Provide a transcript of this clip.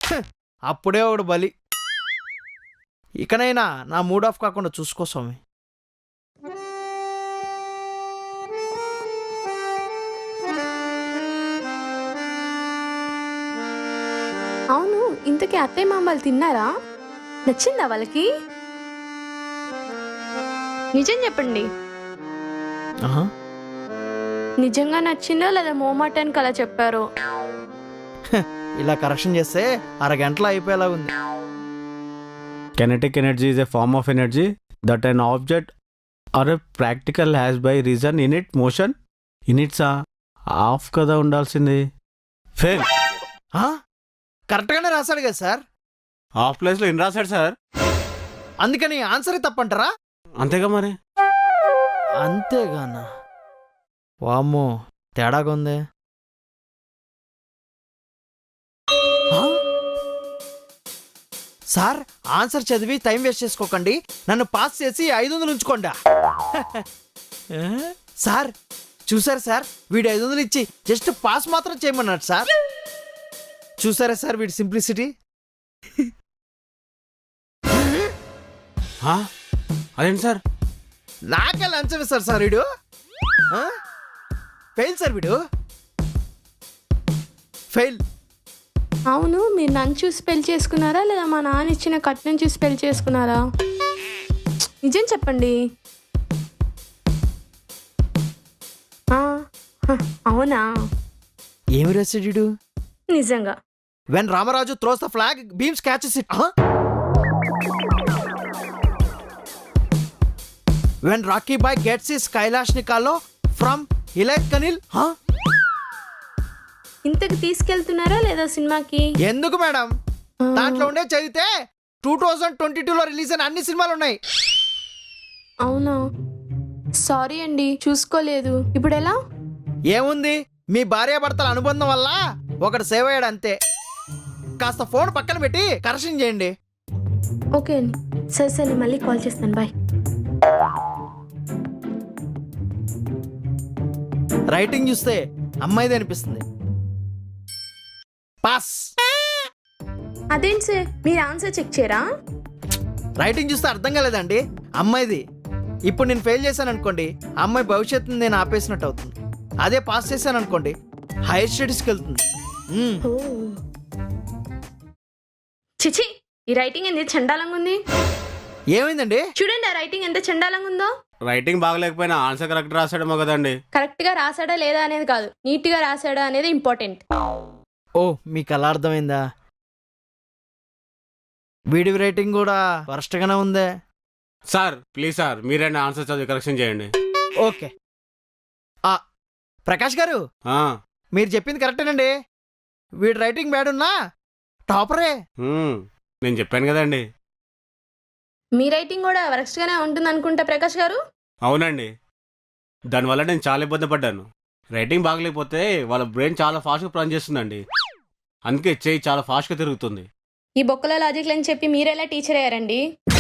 అప్పుడే ఒకడు బలి. ఇకనైనా నా మూడ్ ఆఫ్ కాకుండా చూసుకో స్వామి. అవును, ఇంతకీ అత్తయ్య మామలు తిన్నారా? నచ్చిందా వాళ్ళకి? నిజం చెప్పండి. ఆహా. నిజంగా నచ్చిందా లేదా మోమాటానికి అలా చెప్పారు? ఇలా కరెక్షన్ చేస్తే అరగంటలో అయిపోయేలా ఉంది. Kinetic energy is a form of energy that an object or a particle has by reason in its motion. In its of కదా ఉండాల్సింది. ఫెయిల్. కరెక్ట్గానే రాశాడు కదా సార్. హాఫ్ ప్లేస్లో ఇన్ రాశాడు సార్. అందుకని ఆన్సరే తప్పంటారా? అంతేగా మరి. అంతేగానా? వామ్మో, తేడాగా ఉంది. సార్, ఆన్సర్ చదివి టైం వేస్ట్ చేసుకోకండి. నన్ను పాస్ చేసి 500 ఉంచుకోండా. సార్ చూసారా సార్, వీడు 500 ఇచ్చి జస్ట్ పాస్ మాత్రం చేయమన్నాడు సార్. చూసారా సార్ వీడి సింప్లిసిటీ. అదేంటి సార్? నాకే లంచం ఇస్తారు సార్ వీడు. ఫెయిల్ సార్ వీడు, ఫెయిల్. అవును, మీరు నన్ను చూసి పెళ్లి చేసుకున్నారా లేదా మా నాన్న ఇచ్చిన కట్నం చూసి పెళ్లి చేసుకున్నారా? నిజం చెప్పండి. అవునా? ఏమి రాశాడు వీడు? నిజంగా. When Ramaraju throws the flag, Beams catches it. When Rocky Boy gets his Kailash Nikalo from Hilayat Kanil. ఇంతకు తీసుకెళ్తున్నారా లేదా సినిమాకి? ఎందుకు మేడం? దాంట్లో ఉండే చదివితే 2022లో రిలీజ్ అయిన అన్ని సినిమాలు ఉన్నాయి. అవునా? సారీ అండి, చూసుకోలేదు. ఇప్పుడు ఎలా? ఏముంది, మీ భార్యాభర్తల అనుబంధం వల్ల ఒకడు సేవ్ అయ్యాడు అంతే. కాస్త ఫోన్ పక్కన పెట్టి కరెక్షన్ చేయండి. ఓకే అండి, సరే సరే, మళ్ళీ కాల్ చేస్తాను. బాయ్. రైటింగ్ చూస్తే అమ్మాయిది అనిపిస్తుంది. పాస్. అదేంటి సార్, మీరు ఆన్సర్ చెక్ చేయరా? రైటింగ్ చూస్తే అర్థం కాలేదండి, అమ్మాయిది. ఇప్పుడు నేను ఫెయిల్ చేశాను అనుకోండి, అమ్మాయి భవిష్యత్తుని నేను ఆపేసినట్టు అవుతుంది. అదే పాస్ చేశాను అనుకోండి, హైయర్ స్టడీస్కి వెళ్తుంది. చిచి, ఈ రైటింగ్ ఎంత చండాలంగా ఉంది. ఏమైందండి? చూడండి ఆ రైటింగ్ ఎంత చండాలంగా ఉందో. రైటింగ్ బాగలేకపోయినా ఆన్సర్ కరెక్ట్ రాశాడేమో కదండి. కరెక్ట్ గా రాసాడా లేదా అనేది కాదు, నీట్ గా రాసాడా అనేది ఇంపార్టెంట్. ఓ, మీకు అలా అర్థమైందా? వీడి రైటింగ్ కూడా వరస్ట్గానే ఉందే. సార్ ప్లీజ్ సార్, మీరే ఆన్సర్ చదివి కరెక్షన్ చేయండి. ఓకే. ప్రకాష్ గారు, ఆ, మీరు చెప్పింది కరెక్టేనండి. వీడి రైటింగ్ బ్యాడ్ ఉన్నా టాపరే. నేను చెప్పాను కదండి. మీ రైటింగ్ కూడా వరస్ట్ గానే ఉంటుంది అనుకుంటా ప్రకాష్ గారు. అవునండి, దానివల్ల నేను చాలా ఇబ్బంది పడ్డాను. రైటింగ్ బాగలేకపోతే వాళ్ళ బ్రెయిన్ చాలా ఫాస్ట్గా పనిచేస్తుందండి. అందుకే చెయ్యి చాలా ఫాస్ట్గా తిరుగుతుంది. ఈ బొక్కల లాజిక్లని చెప్పి మీరెలా టీచర్ అయ్యారండి?